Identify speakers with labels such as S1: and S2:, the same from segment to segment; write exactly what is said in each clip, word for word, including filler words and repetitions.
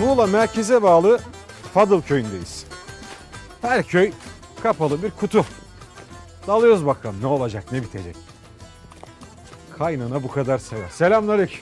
S1: Muğla merkeze bağlı Fadıl köyündeyiz. Her köy kapalı bir kutu. Dalıyoruz bakalım ne olacak, ne bitecek. Kaynana bu kadar sever. Selamünaleyküm.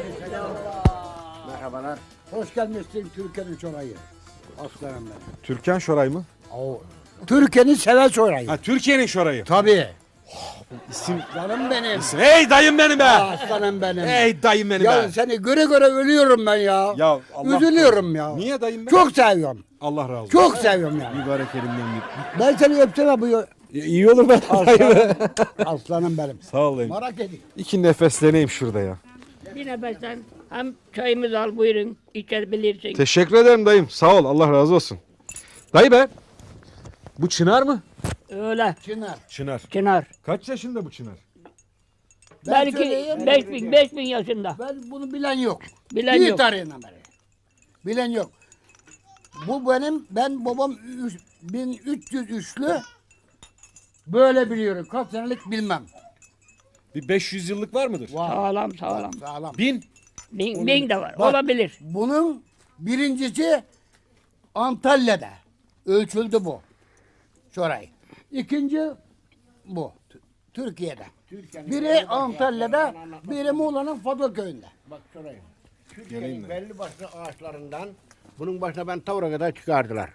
S2: Merhabalar. Hoş gelmişsin Türkiye'nin çorayı. Aslanım benim.
S1: Türkan Şoray mı?
S2: Oo. Türkiye'nin sever çorayı.
S1: Ha, Türkiye'nin Şoray'ı.
S2: Tabii.
S1: İsim.
S2: Aslanım benim.
S1: Hey dayım benim be.
S2: Aslanım benim.
S1: Hey dayım benim
S2: Ya
S1: be.
S2: seni göre göre ölüyorum ben ya.
S1: Ya Allah
S2: Üzülüyorum ya.
S1: Niye dayım be?
S2: Çok seviyorum.
S1: Allah razı olsun.
S2: Çok seviyorum ya.
S1: Mübarek elimden bir.
S2: Ben seni öpsem bu
S1: İyi olur ben.
S2: aslanım, aslanım benim.
S1: Sağ ol dayım.
S2: Merak edin.
S1: İki nefesleneyim şurada ya.
S3: Bir nefesten hem çayımızı al buyurun içebilirsin.
S1: Teşekkür ederim dayım. Sağ ol. Allah razı olsun. Dayı be. Bu Çınar mı?
S3: Öyle
S2: Çınar.
S1: Çınar.
S3: Çınar.
S1: Kaç yaşında bu Çınar?
S2: Ben
S3: Belki
S2: söyleyeyim.
S3: beş bin, beş bin yaşında.
S2: Ben bunu bilen yok.
S3: Bilen
S2: Bir
S3: yok.
S2: tarihinden beri. Bilen yok. Bu benim, ben babam üç- bin üç yüz üçlü böyle biliyorum. Kaç senelik bilmem.
S1: Bir beş yüz yıllık var mıdır?
S2: Var.
S3: Sağlam sağlam.
S2: Sağlam.
S1: Bin.
S3: Bin, bin de var.
S2: Bak,
S3: Olabilir.
S2: Bunun birincisi Antalya'da ölçüldü bu. Şoray. İkinci bu. T- Türkiye'de. Biri Antalya'da, biri Muğla'nın Fadıl köyünde.
S4: Bak şuraya. Türkiye'nin belli başlı ağaçlarından bunun başına ben tavra kadar çıkardılar.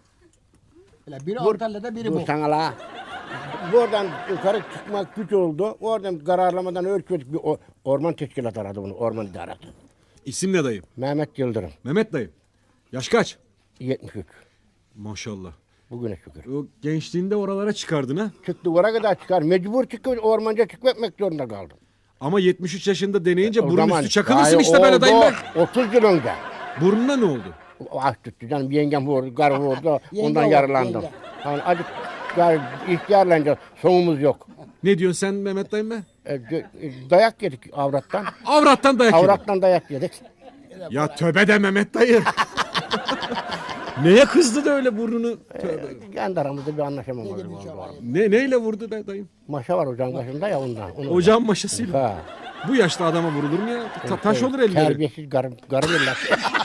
S2: Öyle biri
S4: Dur-
S2: Antalya'da, biri
S4: Dur
S2: bu.
S4: sana la. Buradan yukarı çıkmak güç oldu. Oradan kararlamadan ölçmedik bir o- orman teşkilatı aradı bunu. Orman idaresi.
S1: İsim ne dayım?
S4: Mehmet Yıldırım.
S1: Mehmet dayım. Yaş kaç?
S4: yetmiş üç.
S1: Maşallah.
S4: Bugüne şükür.
S1: O gençliğinde oralara çıkardın ha.
S4: Çıktı oraya kadar çıkar. Mecbur çıkıp ormanca çıkmak zorunda kaldım.
S1: Ama yetmiş üç yaşında deneyince
S4: O
S1: burun
S4: zaman-
S1: üstü çakılırsın
S4: Ay,
S1: işte böyle
S4: oldu,
S1: dayım be.
S4: otuz yıl önce.
S1: Burnuna ne oldu?
S4: Ah tuttu canım yengem vurdu, karı vurdu.
S2: Yenge
S4: Ondan
S2: var,
S4: yaralandım.
S2: yenge.
S4: Yani acık gar, ihtiyarlanınca sonumuz yok.
S1: Ne diyorsun sen Mehmet dayım be?
S4: E, gö- e, dayak yedik avrattan.
S1: Avrattan dayak yedin.
S4: Avrattan dayak yedik.
S1: Ya tövbe de Mehmet dayı. Neye kızdı da öyle burnunu? Tövbe.
S4: Kendi aramızda bir anlaşamamız oldu.
S1: Ne neyle vurdu da dayım?
S4: Maşa var ocağın başında ya ondan. Onu
S1: Ocağın maşasıyla.
S4: Ha.
S1: Bu yaşta adama vurulur mu ya? Ta- taş olur elleri.
S4: Terbiyesiz garı, garı birler.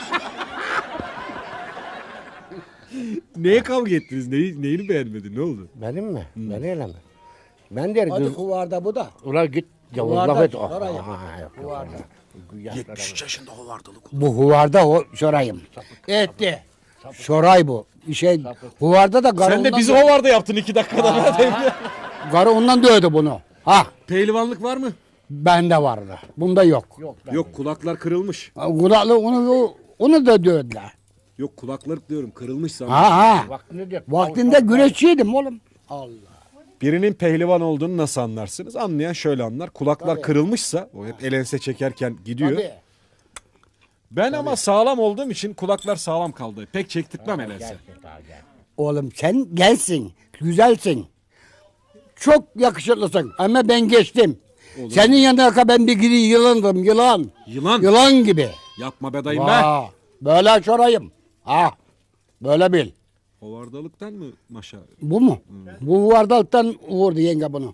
S1: Neye kavga ettiniz? Neyi, neyini beğenmedin? Ne oldu?
S4: Benim mi? Ben öyle mi? Ben der
S2: Hadi
S4: kız.
S2: kuvarda bu da.
S4: Ula git. Ya
S2: Kuvarda,
S4: Allah et.
S2: oraya.
S4: Aha, yok, yok,
S2: Kuvarda.
S4: yok.
S1: yetmiş üç yaşında hovardalık.
S2: Bu huvarda o şorayım. Etti. Şoray bu. Şey, huvarda da garı
S1: Sen de
S2: ondan
S1: bizi
S2: dö-
S1: hovarda yaptın iki dakikada. be dayım ya.
S2: garı ondan dövdü bunu. Ha,
S1: Pehlivanlık var mı?
S2: bende vardı. Bunda yok. Yok.
S1: Yok kulaklar kırılmış.
S2: Kulaklı onu onu da dövdüler.
S1: Yok kulaklar diyorum kırılmış sana.
S2: Ha ha.
S4: Vaktini diyor.
S2: Vaktinde güreşçiydim oğlum. Allah.
S1: Birinin pehlivan olduğunu nasıl anlarsınız? Anlayan şöyle anlar. Kulaklar kırılmışsa o hep el ense çekerken gidiyor.
S2: Tabii.
S1: Ben ama sağlam olduğum için kulaklar sağlam kaldı. Pek çektirtmem el ense.
S2: Oğlum sen gelsin. Güzelsin. Çok yakışıklısın. Ama ben geçtim. Senin yanına ben bir gidi yılandım. Yılan.
S1: Yılan.
S2: Yılan gibi.
S1: Yapma be dayım be.
S2: Vaa, böyle şorayım. Ha. Böyle bil.
S1: Hovardalıktan mı maşa?
S2: Bu mu? Bu vardalıktan vurdu yenge bunu.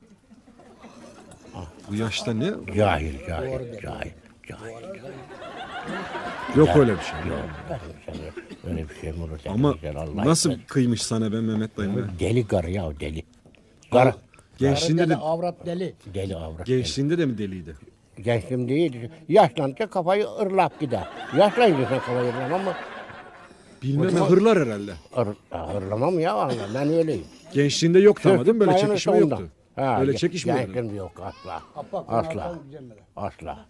S1: Bu yaşta ne?
S4: Cahil, cahil, cahil, cahil.
S1: Yok öyle bir şey.
S4: Yok, öyle bir şey mi olur? Sen
S1: Ama
S4: güzel, Allah
S1: nasıl
S4: etmez.
S1: kıymış sana be Mehmet dayım be?
S4: Deli karı ya deli. Karı.
S1: Gençliğinde de,
S2: avrat deli.
S4: Deli avrat.
S1: gençliğinde de mi deliydi?
S4: Gençliğim değil. Yaşlanınca kafayı ırlap gider. Yaşlanınca sen kafayı ırlamam mı?
S1: Bilmem hırlar herhalde.
S4: Ir, hırlamam ya vallahi ben öyleyim.
S1: Gençliğinde yoktu ama değil mi? Böyle
S4: Sırtım
S1: çekişme
S4: ayağını
S1: yoktu.
S4: sonda. Ha,
S1: Böyle
S4: ge-
S1: çekişme yoktu.
S4: Gençliğim yok asla.
S2: Kapak,
S4: Asla.
S2: bunlar güzel mi?
S4: Asla.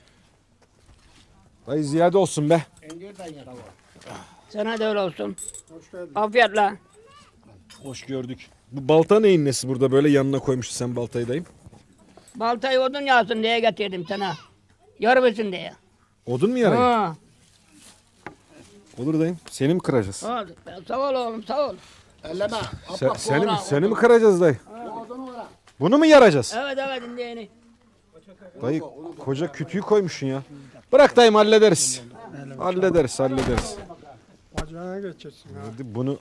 S1: Dayı ziyade olsun be.
S3: Sana da öyle olsun. Afiyetle.
S1: Hoş gördük. Bu balta neyin nesi burada böyle yanına koymuşsun sen baltayı dayım?
S3: Baltayı odun yağsın diye getirdim sana. Yarıbısın diye.
S1: Odun mu yarayın?
S3: Ha.
S1: Olur dayım. Seni mi kıracağız?
S3: Ha, sağ ol oğlum sağ ol.
S2: Elleme.
S1: Sen,
S2: Kapak,
S1: seni mi,
S2: sonra,
S1: seni mi
S2: odun-
S1: kıracağız dayı?
S2: odunu var.
S1: Bunu mu yaracağız?
S3: Evet evet indiğini.
S1: Dayı koca kütüğü koymuşsun ya. Bırak dayım hallederiz. Hallederiz hallederiz.
S5: Bacağına geçeceksin ha.
S1: Hadi bunu.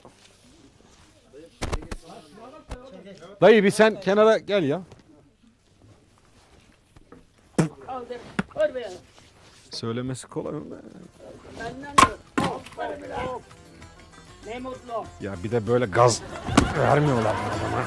S1: Dayı bir sen kenara gel ya.
S3: Al de. Koy be.
S1: Söylemesi kolay mı?
S3: Benden de. Ne mutlu.
S1: Ya bir de böyle gaz vermiyorlar adama.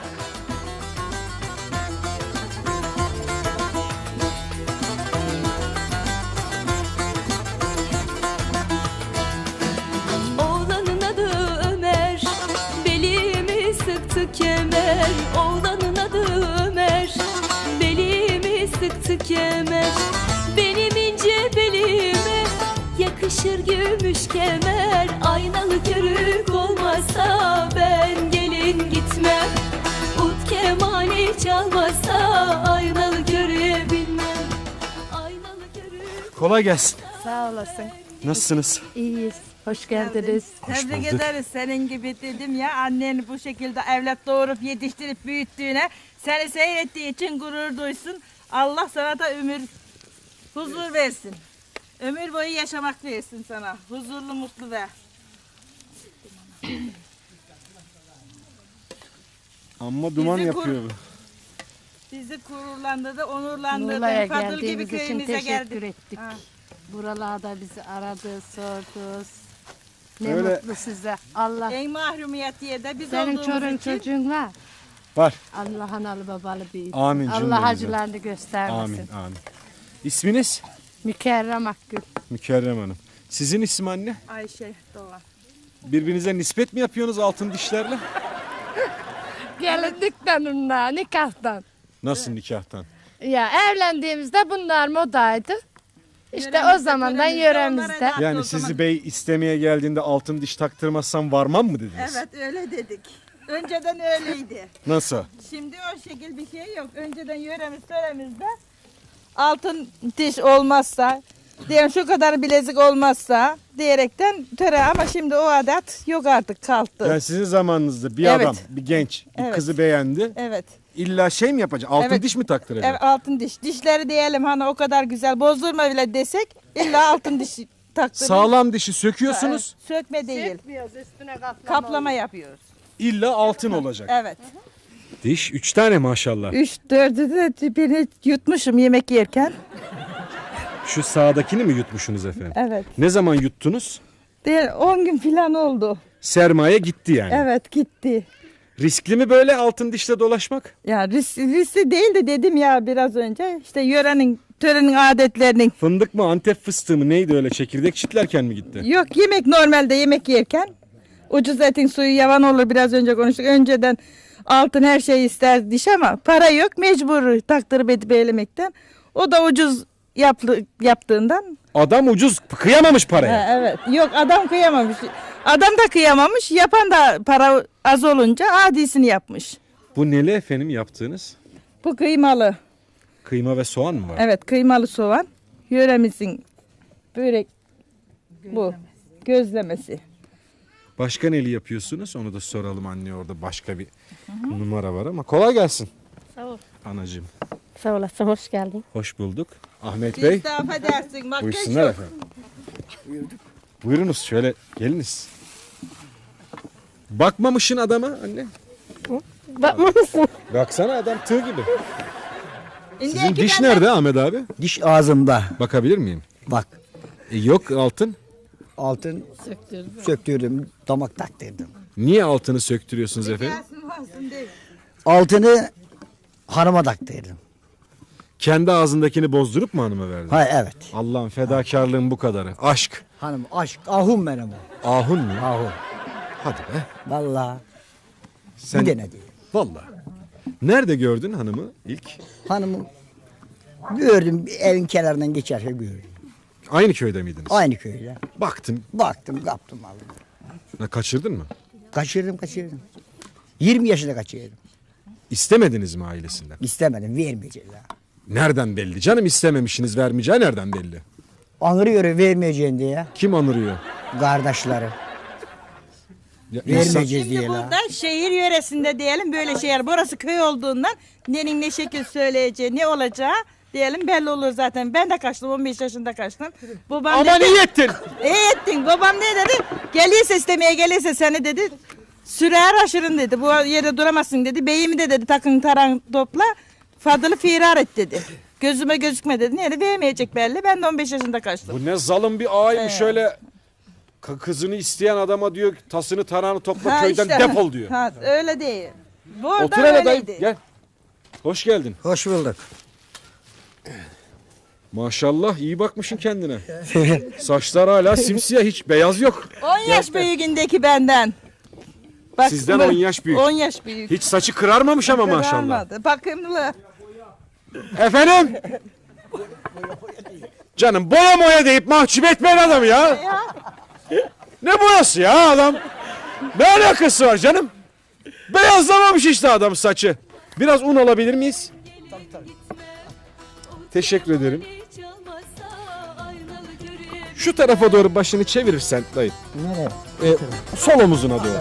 S6: Oğlanın adı Ömer, belimi sıktı kemer. Oğlanın adı Ömer, belimi sıktı kemer. Benim ince belime yakışır gümüş kemer. Aynalı körük olmasa ben gelin gitmem. Ut kemani çalmasa aynalı körüğe binmem. Aynalı körük.
S1: Kolay gelsin.
S7: Sağ olasın.
S1: Nasılsınız?
S7: İyiyiz. Hoş geldiniz.
S1: Hoş
S8: Tebrik
S1: bulduk.
S8: ederiz senin gibi dedim ya, anneni bu şekilde evlat doğurup yetiştirip büyüttüğüne, seni seyrettiği için gurur duysun. Allah sana da ömür, huzur versin. Ömür boyu yaşamak versin sana. Huzurlu, mutlu ve.
S1: Amma duman
S8: Bizi kur-
S1: yapıyor bu.
S8: Bizi gururlandırdı, onurlandırdı.
S7: Muğla'ya
S8: Fadıl gibi
S7: geldiğiniz için
S8: köyümüze
S7: teşekkür
S8: geldik.
S7: ettik.
S8: Ha.
S7: Buralarda bizi aradı, sordu. Ne
S1: Öyle-
S7: mutlu size. Allah
S8: En mahrumiyet yerde biz
S7: senin
S8: olduğumuz
S7: çorun
S8: için.
S7: çocuğun var.
S1: Var.
S7: Allah analı babalı büyütsün.
S1: Amin
S7: Allah
S1: cümlemize.
S7: acılarını göstermesin.
S1: Amin amin. İsminiz?
S7: Mükerrem Akgül.
S1: Mükerrem Hanım. Sizin isim anne?
S8: Ayşe Doğan.
S1: Birbirinize nispet mi yapıyorsunuz altın dişlerle?
S7: Gelinlikten onunla, nikahtan.
S1: Nasıl nikahtan?
S7: Ya evlendiğimizde bunlar modaydı. İşte o
S8: Yöremizde,
S7: zamandan
S8: yöremizde,
S7: yöremizde.
S8: onlara da-
S1: Yani
S8: o
S1: sizi
S8: zaman-
S1: bey istemeye geldiğinde altın diş taktırmazsam varmam mı dediniz?
S8: Evet öyle dedik. Önceden öyleydi.
S1: Nasıl?
S8: Şimdi o şekil bir şey yok. Önceden yöremiz töremizde altın diş olmazsa, diyelim şu kadar bilezik olmazsa diyerekten töre, ama şimdi o adet yok artık, kalktı.
S1: Yani sizin zamanınızda bir
S8: Evet.
S1: adam, bir genç, bir
S8: Evet.
S1: kızı beğendi.
S8: Evet.
S1: İlla şey mi yapacak? Altın
S8: Evet.
S1: diş mi taktıracak?
S8: Evet, altın diş. Dişleri diyelim hani o kadar güzel bozdurma bile desek illa altın diş taktırır.
S1: Sağlam dişi söküyorsunuz.
S8: Evet, sökme değil.
S7: Sökmüyoruz, üstüne kaplama.
S8: Kaplama yapıyoruz.
S1: İlla altın olacak.
S8: Evet.
S1: Diş üç tane maşallah.
S8: Üç dördü de beni yutmuşum yemek yerken.
S1: Şu sağdakini mi yutmuşsunuz efendim?
S8: Evet.
S1: Ne zaman yuttunuz?
S8: Değil, on gün falan oldu.
S1: Sermaye gitti yani.
S8: Evet, gitti.
S1: Riskli mi böyle altın dişle dolaşmak?
S8: Ya risk, riskli değil de dedim ya biraz önce, işte yörenin, törenin adetlerinin.
S1: Fındık mı Antep fıstığı mı neydi öyle çekirdek çitlerken mi gitti?
S8: Yok, yemek normalde yemek yerken ucuz etin suyu yavan olur, biraz önce konuştuk. Önceden altın her şeyi ister diş ama para yok, mecbur taktırıp edip eylemekten. O da ucuz yaptı, yaptığından.
S1: Adam ucuz kıyamamış paraya.
S8: Ha, evet, yok adam kıyamamış. Adam da kıyamamış, yapan da para az olunca adisini yapmış.
S1: Bu neli efendim yaptığınız?
S8: Bu kıymalı.
S1: Kıyma ve soğan mı var?
S8: Evet, kıymalı soğan. Yöremizin börek bu. Gözlemesi.
S1: Başka neli yapıyorsunuz? Onu da soralım anne, orada başka bir numara var ama. Kolay gelsin.
S7: Sağ ol.
S1: Anacığım.
S7: Sağ olasın, hoş geldin.
S1: Hoş bulduk. Ahmet Bey.
S8: İstifa dersin. Makyaj
S1: Buyursunlar
S8: yok.
S1: efendim. Buyurunuz şöyle geliniz. Bakmamışsın adama anne.
S7: Bakmamışsın.
S1: Baksana adam tığ gibi.
S8: İndi
S1: Sizin
S8: iki
S1: diş
S8: tane-
S1: nerede Ahmet abi?
S9: Diş ağzımda.
S1: Bakabilir miyim?
S9: Bak
S1: E, yok altın.
S9: altın söktürdüm, damak taktırdım.
S1: Niye altını söktürüyorsunuz efendim?
S8: Gelsin varsın değil.
S9: Altını hanıma taktırdım.
S1: Kendi ağzındakini bozdurup mu hanıma verdin?
S9: Ha evet.
S1: Allah'ın fedakarlığın bu kadarı. Aşk.
S9: Hanım aşk, ahum benim o.
S1: Ahun mu?
S9: Ahum.
S1: Hadi be.
S9: Vallahi
S1: Sen...
S9: bir denedi.
S1: Vallahi. Nerede gördün hanımı ilk?
S9: Hanımı gördüm, bir evin kenarından geçerken gördüm.
S1: Aynı köyde miydiniz?
S9: Aynı köyde.
S1: Baktın.
S9: Baktım, kaptım aldım.
S1: Ha, kaçırdın mı?
S9: Kaçırdım, kaçırdım. yirmi yaşında kaçırdım.
S1: İstemediniz mi ailesinden?
S9: İstemedim, vermeyecekler.
S1: Nereden belli? Canım istememişsiniz, vermeyeceği nereden belli?
S9: Anırıyor vermeyeceğin diye.
S1: Kim anırıyor?
S9: Kardeşleri.
S1: Ya insan-
S9: Vermeyeceğiz
S8: Şimdi
S9: diye la.
S8: burada şehir yöresinde diyelim böyle şeyler. Burası köy olduğundan nenin ne şekil söyleyeceği, ne olacağı diyelim belli olur zaten. Ben de kaçtım, on beş yaşında kaçtım. Babam
S1: Aman
S8: dedi,
S1: iyi ettin.
S8: iyi ettin. Babam ne dedi? Gelirse istemeye gelirse seni dedi. Sürer aşırın dedi. Bu yerde duramazsın dedi. Beyimi de dedi takın taran topla. Fadıl'ı firar et dedi. Gözüme gözükme dedi. Nerede vermeyecek belli. Ben de on beş yaşında kaçtım.
S1: Bu ne zalim bir ağaymış şöyle. K- kızını isteyen adama diyor tasını tarağını topla
S8: Ha,
S1: köyden
S8: işte.
S1: defol diyor.
S8: Ha, öyle değil. Burada
S1: Otur hele dayı
S8: öyleydi.
S1: gel. Hoş geldin.
S9: Hoş bulduk.
S1: Maşallah iyi bakmışsın kendine. Saçlar hala simsiyah hiç beyaz yok.
S8: on yaş büyüğündeki benden. Bak,
S1: Sizden
S8: bu-
S1: on yaş büyük.
S8: on yaş büyük.
S1: Hiç saçı kırarmamış ama maşallah.
S8: Kırılmadı. Bakımlı.
S1: Efendim? Canım boya moya deyip mahcup etmeyin adamı ya. Ne boyası ya adam? Ne alakası var canım? Beyazlamamış işte adam saçı. Biraz un alabilir miyiz? Teşekkür ederim. Şu tarafa doğru başını çevirirsen dayı.
S9: Nereye?
S1: Ee, sol omuzuna doğru.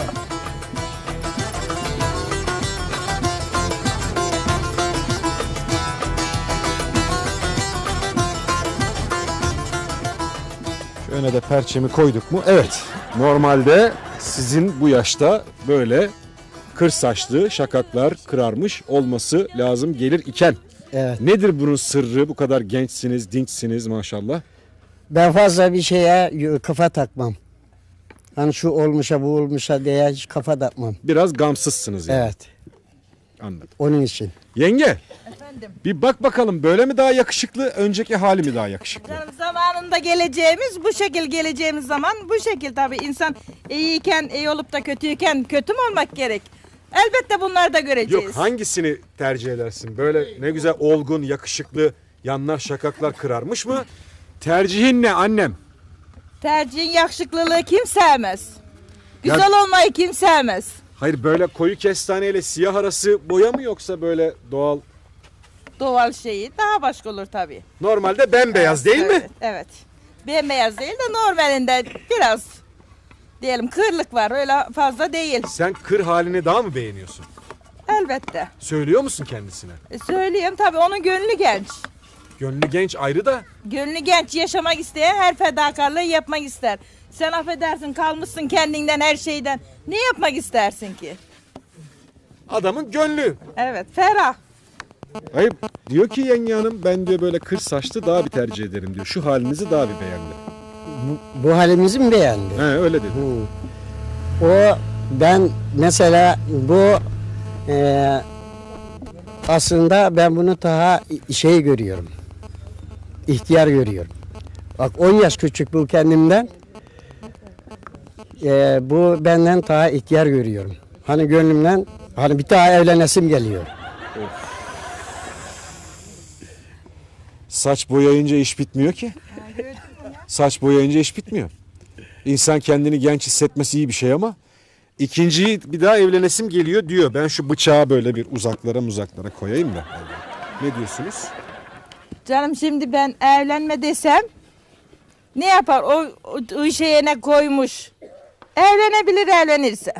S1: Şu öne de perçemi koyduk mu? Evet. Normalde sizin bu yaşta böyle kır saçlı, şakaklar kırarmış olması lazım gelir iken.
S9: Evet.
S1: Nedir bunun sırrı? Bu kadar gençsiniz, dinçsiniz maşallah.
S9: Ben fazla bir şeye y- kafa takmam. Hani şu olmuşa bu olmuşa diye hiç kafa takmam.
S1: Biraz gamsızsınız yani.
S9: Evet.
S1: Anladım.
S9: Onun için.
S1: Yenge,
S8: Efendim.
S1: bir bak bakalım böyle mi daha yakışıklı, önceki hali mi daha yakışıklı?
S8: Canım, zamanında geleceğimiz bu şekil geleceğimiz zaman bu şekil tabii insan iyiyken iyi olup da kötüyken kötü mü olmak gerek? Elbette bunları da göreceğiz.
S1: Yok, hangisini tercih edersin? Böyle ne güzel olgun, yakışıklı, yanlar şakaklar kırarmış mı? Tercihin ne annem?
S8: Tercihin yakışıklılığı kim sevmez? Güzel olmayı kim sevmez?
S1: Hayır, böyle koyu kestaneyle siyah arası boya mı yoksa böyle doğal?
S8: Doğal şeyi daha başka olur tabii.
S1: Normalde bembeyaz değil mi?
S8: Evet, evet. Bembeyaz değil de normalinde biraz diyelim kırlık var, öyle fazla değil.
S1: Sen kır halini daha mı beğeniyorsun?
S8: Elbette.
S1: Söylüyor musun kendisine?
S8: E, söyleyeyim tabii, onun gönlü genç.
S1: Gönlü genç ayrı da.
S8: Gönlü genç, yaşamak isteyen her fedakarlığı yapmak ister. Sen affedersin, kalmışsın kendinden, her şeyden. Ne yapmak istersin ki?
S1: Adamın gönlü.
S8: Evet, ferah.
S1: Hayır, diyor ki yenge hanım, ben diyor böyle kır saçlı daha bir tercih ederim diyor. Şu halinizi daha bir beğendi.
S9: Bu, bu halimizi mi beğendi?
S1: He, öyle dedi.
S9: Hı. O ben mesela bu e, aslında ben bunu daha şey görüyorum. İhtiyar görüyorum. Bak on yaş küçük bu kendimden. E, bu benden daha ihtiyar görüyorum. Hani gönlümden hani bir daha evlenesim geliyor.
S1: Saç boyayınca iş bitmiyor ki. Saç boyayınca iş bitmiyor. İnsan kendini genç hissetmesi iyi bir şey ama ikinciyi bir daha evlenesim geliyor diyor. Ben şu bıçağı böyle bir uzaklara uzaklara koyayım da. Ne diyorsunuz?
S8: Canım, şimdi ben evlenme desem ne yapar? O, o, o şeye ne koymuş? Evlenebilir evlenirse.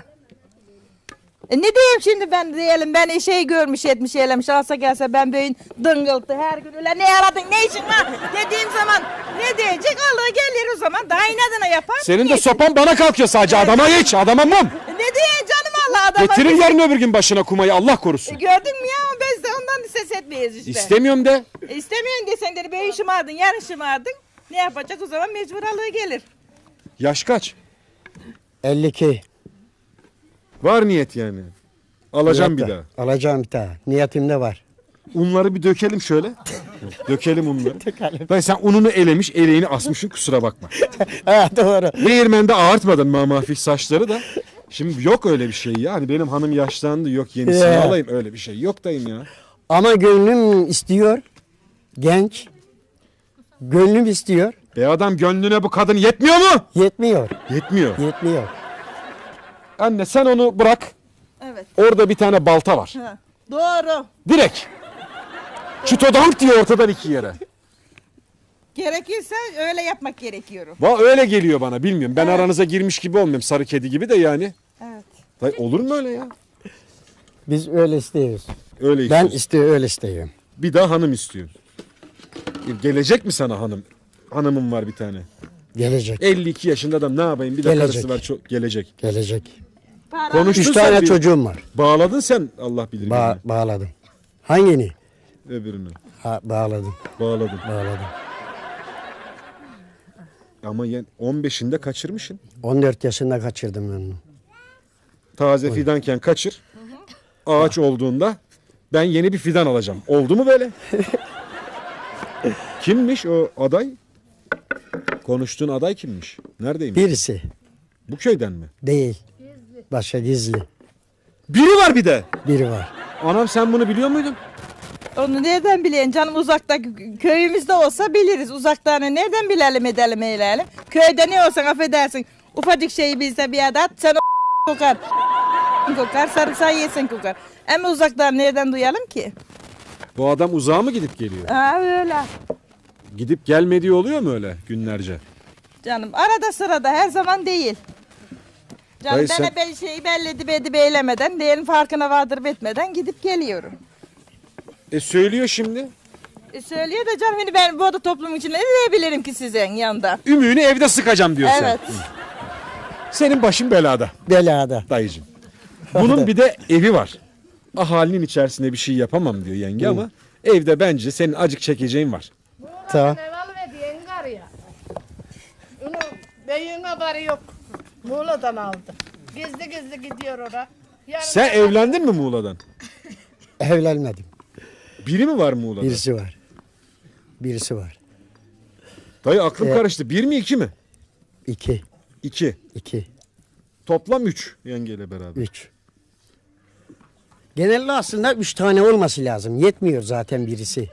S8: E ne diyeyim şimdi ben, diyelim ben şey görmüş etmiş eylemiş, alsa gelse ben böyle dıngıltı her gün öyle ne aradın ne işin var dediğim zaman ne diyecek? Allah gelir o zaman daha inadına yapar.
S1: Senin de
S8: Geç.
S1: sopan bana kalkıyor sadece. Adama geç, adama mum.
S8: E ne diyeyim canım, Allah adama.
S1: Getirin yarın öbür gün başına kumayı, Allah korusun.
S8: E gördün mü ya, biz de ondan ses etmeyiz işte.
S1: İstemiyorum de.
S8: E istemiyorsun desen dedi, ben şımardın yarın şımardın. Ne yapacak o zaman, mecburalığı gelir.
S1: Yaş kaç?
S9: elli iki.
S1: Var niyet yani. Alacağım bir
S9: Niyette.
S1: daha.
S9: Alacağım bir daha. Niyetimde var.
S1: Unları bir dökelim şöyle. Dökelim unları. Dayı sen ununu elemiş, eleğini asmışsın, kusura bakma.
S9: Ha doğru.
S1: Değirmende ağartmadın mamafik saçları da. Şimdi yok öyle bir şey ya. Hani benim hanım yaşlandı, yok yenisini
S9: Ya.
S1: alayım, öyle bir şey yok dayım ya.
S9: Ama gönlüm istiyor. Genç. Gönlüm istiyor.
S1: E adam gönlüne bu kadın yetmiyor mu?
S9: Yetmiyor.
S1: Yetmiyor.
S9: Yetmiyor.
S1: Anne sen onu bırak.
S8: Evet.
S1: Orada bir tane balta var.
S8: Ha. Doğru.
S1: Direkt. Çutodank diyor ortadan iki yere.
S8: Gerekirse öyle yapmak gerekiyor.
S1: Va öyle geliyor bana, bilmiyorum. Ben aranıza girmiş gibi olmuyorum, sarı kedi gibi de yani.
S8: Evet.
S1: Dayı olur mu öyle ya?
S9: Biz öyle istiyoruz.
S1: Öyle
S9: Ben
S1: istiyorsun.
S9: istiyor öyle istiyorum.
S1: Bir daha hanım istiyor. Gelecek mi sana hanım? Hanımım var bir tane.
S9: Gelecek.
S1: elli iki yaşında adam, ne yapayım? Bir de
S9: Gelecek.
S1: karısı var, çok gelecek.
S9: Gelecek.
S1: Konuştun
S9: Üç
S1: sen
S9: tane
S1: bir-
S9: çocuğum var.
S1: Bağladın sen, Allah bilir.
S9: Ba- bağladım. Hangini?
S1: birini. Öbürünü.
S9: Ha, bağladım.
S1: Bağladın.
S9: Bağladım.
S1: Ama yen- on beşinde kaçırmışsın.
S9: on dört yaşında kaçırdım ben onu.
S1: Taze fidanken kaçır. Ağaç olduğunda ben yeni bir fidan alacağım. Oldu mu böyle? Kimmiş o aday? Konuştuğun aday kimmiş? Neredeymiş?
S9: Birisi
S1: Bu köyden mi?
S9: değil. Başka gizli.
S1: Biri var bir de.
S9: Biri var.
S1: Anam sen bunu biliyor muydun?
S8: Onu nereden bilelim canım, uzakta köyümüzde olsa biliriz. Uzakta hani nereden bilelim edelim eyleyelim. Köyde ne olsan affedersin. Ufacık şeyi bilse bir adet sen o kokar. Kokar, sarımsağı yesin kokar. Ama uzaktan nereden duyalım ki?
S1: Bu adam uzağa mı gidip geliyor?
S8: Ha öyle.
S1: Gidip gelmediği oluyor mu öyle günlerce?
S8: Canım arada sırada, her zaman değil. Canım
S1: Dayı
S8: ben
S1: sen-
S8: hep ben şeyi belli edip edip eylemeden, değerin farkına vardırıp etmeden gidip geliyorum.
S1: E söylüyor şimdi.
S8: E söylüyor da canım, hani ben bu arada toplum için ne diyebilirim ki sizin yanında?
S1: Ümüğünü evde sıkacağım diyor
S8: Evet.
S1: sen. Senin başın belada
S9: Belada.
S1: dayıcım. Bunun bir de evi var. Ahalinin içerisinde bir şey yapamam diyor yenge ama evde bence senin acık çekeceğin var.
S9: Tamam.
S7: Eval ve diyen gar ya. Onu beyin haberi yok. Muğla'dan aldı. Gizli gizli gidiyor oraya. Yarın
S1: Sen evlendin mi Muğla'dan?
S9: Evlenmedim.
S1: Biri mi var Muğla'da?
S9: Birisi var. Birisi var.
S1: Dayı aklım
S9: Evet.
S1: karıştı. Bir mi iki mi?
S9: İki.
S1: İki.
S9: İki.
S1: Toplam üç yengeyle beraber.
S9: Üç. Genelde aslında üç tane olması lazım. Yetmiyor zaten birisi.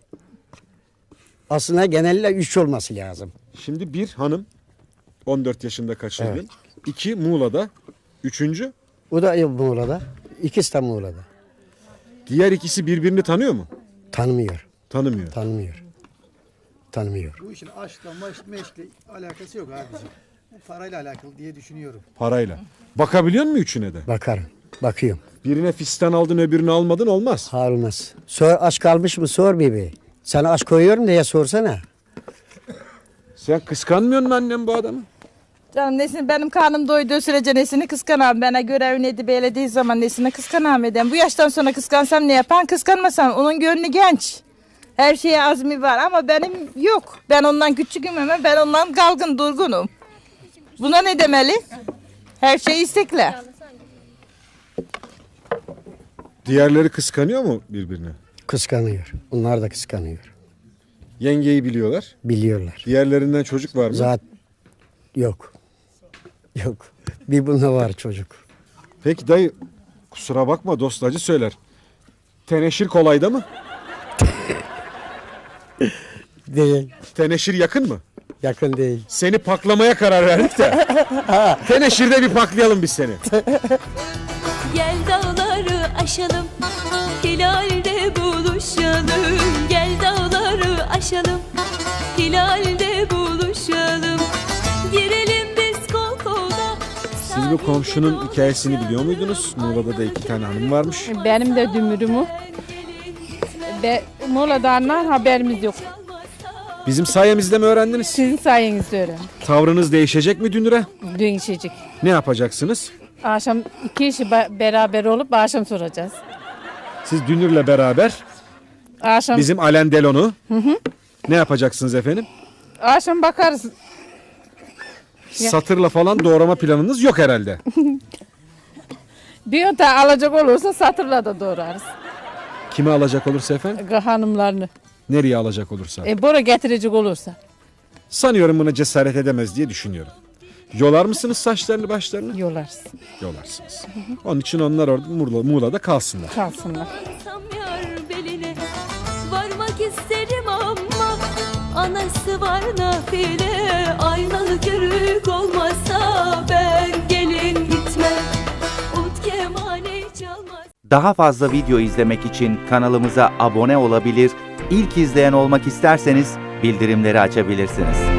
S9: Aslında genelde üç olması lazım.
S1: Şimdi bir hanım on dört yaşında kaçırdın. İki Muğla'da. Üçüncü
S9: O da Muğla'da. İkisi de Muğla'da.
S1: diğer ikisi birbirini tanıyor mu?
S9: Tanımıyor.
S1: Tanımıyor.
S9: Tanımıyor. Tanımıyor.
S5: Bu işin aşkla maş- meşkle alakası yok abicim. Bu parayla alakalı diye düşünüyorum.
S1: Parayla. Bakabiliyor musun üçüne de?
S9: Bakarım. Bakıyorum.
S1: Birine fistan aldın öbürünü almadın olmaz.
S9: Olmaz. Sor, aç kalmış mı sor bebeği. Sana aç koyuyorum diye sorsana.
S1: Sen kıskanmıyor musun annem bu adamı?
S8: Canım nesini, benim karnım doyduğu sürece nesini kıskanam. Bana görev neydi belediği zaman nesini kıskanam eden. Bu yaştan sonra kıskansam ne yapan, kıskanmasam. Onun gönlü genç. Her şeye azmi var ama benim yok. Ben ondan küçüküm ama ben ondan galgın durgunum. Buna ne demeli? Her şey istekle.
S1: Diğerleri kıskanıyor mu birbirini?
S9: Kıskanıyor. Onlar da kıskanıyor.
S1: Yengeyi biliyorlar.
S9: Biliyorlar.
S1: Diğerlerinden çocuk var mı?
S9: Zat yok. Yok. Bir bunda var çocuk.
S1: Peki dayı kusura bakma dost acı söyler. Teneşir kolayda mı?
S9: Değil.
S1: Teneşir yakın mı?
S9: Yakın değil.
S1: Seni paklamaya karar verdik de. Teneşir'de bir paklayalım biz seni.
S6: Gel dağları aşalım, hilalde buluşalım. Gel dağları aşalım, hilalde buluşalım. Girelim biz kol kola.
S1: Siz bu komşunun hikayesini biliyor muydunuz? Muğla'da da iki tane hanım varmış.
S7: Benim de dümürümü. Be, Muğla'dan haberimiz yok.
S1: Bizim sayemizde mi öğrendiniz?
S7: Sizin sayenizde öğrendim.
S1: Tavrınız değişecek mi Dünür'e?
S7: Dün işecek.
S1: Ne yapacaksınız?
S7: Akşam iki işi ba- beraber olup akşam soracağız.
S1: Siz Dünür'le beraber
S7: Akşam,
S1: bizim Alen Delon'u ne yapacaksınız efendim?
S7: akşam bakarız. Ya.
S1: Satırla falan doğrama planınız yok herhalde.
S7: Bir yönte alacak olursa satırla da doğrarız.
S1: Kimi alacak olursa efendim?
S7: Hanımlarını.
S1: Nereye alacak olursa.
S7: E, bora getirecek olursa.
S1: Sanıyorum buna cesaret edemez diye düşünüyorum. Yolar mısınız saçlarını başlarını?
S7: Yolarız.
S1: Yolarsınız. Onun için onlar orada Muğla, Muğla'da kalsınlar.
S7: Kalsınlar.
S6: Sam yar beline, varmak isterim ama anası var nafile. Aynalı körük olmasa ben gelin gitmem. Ut kemane çalmaz.
S10: Daha fazla video izlemek için kanalımıza abone olabilir, ilk izleyen olmak isterseniz bildirimleri açabilirsiniz.